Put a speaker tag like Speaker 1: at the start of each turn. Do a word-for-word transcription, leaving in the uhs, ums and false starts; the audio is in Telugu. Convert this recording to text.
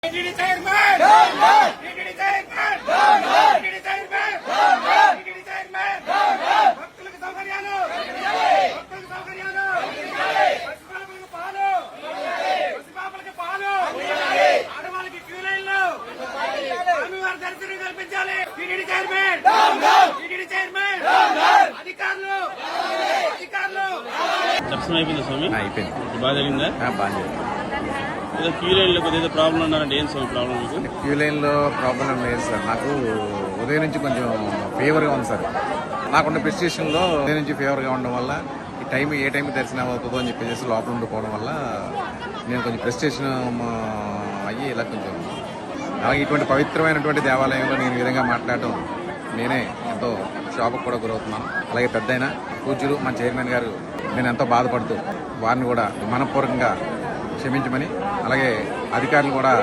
Speaker 1: TTD chairman down down TTD chairman down down TTD chairman down down TTD chairman down down భక్తులకు సౌకర్యాలు భక్తులకు సౌకర్యాలు పసిపాపలకు పాలు పసిపాపలకు పాలు ఆడవాళ్ళకి క్యూ లైన్లు స్వామివారి దర్శనం కల్పించాలి. TTD chairman down down TTD chairman down down అధికారులు అధికారులు
Speaker 2: దర్శనం అయిపోయింది స్వామి.
Speaker 3: అయిపోయింది.
Speaker 2: బాగా జరిగిందా?
Speaker 3: బాగా జరిగింది.
Speaker 2: ఏదో క్యూ లైన్ లో కొద్దిగా ప్రాబ్లం ఉన్నారంటే ఏం స్వామి ప్రాబ్లం మీకు?
Speaker 3: క్యూ లైన్ లో ప్రాబ్లం లేదు సార్. నాకు ఉదయం నుంచి కొంచెం ఫీవర్ గా ఉంది సార్. నాకున్న ప్రిస్క్రిప్షన్ లో ఉదయం నుంచి ఫీవర్ గా ఉండడం వల్ల ఈ టైం ఏ టైం దర్శనం అవుతుందో అని చెప్పేసి లోపల ఉండిపోవడం వల్ల నేను కొంచెం ప్రిస్క్రిప్షన్ అయ్యి ఇలా కొంచెం అలాగే ఇటువంటి పవిత్రమైనటువంటి దేవాలయంలో నేను ఈ విధంగా మాట్లాడటం నేనే ఎంతో షాప్కి కూడా గురవుతున్నాను. అలాగే పెద్దయిన పూజ్యులు మన చైర్మన్ గారు నేను ఎంతో బాధపడుతూ వారిని కూడా మనపూర్వకంగా క్షమించమని, అలాగే అధికారులు కూడా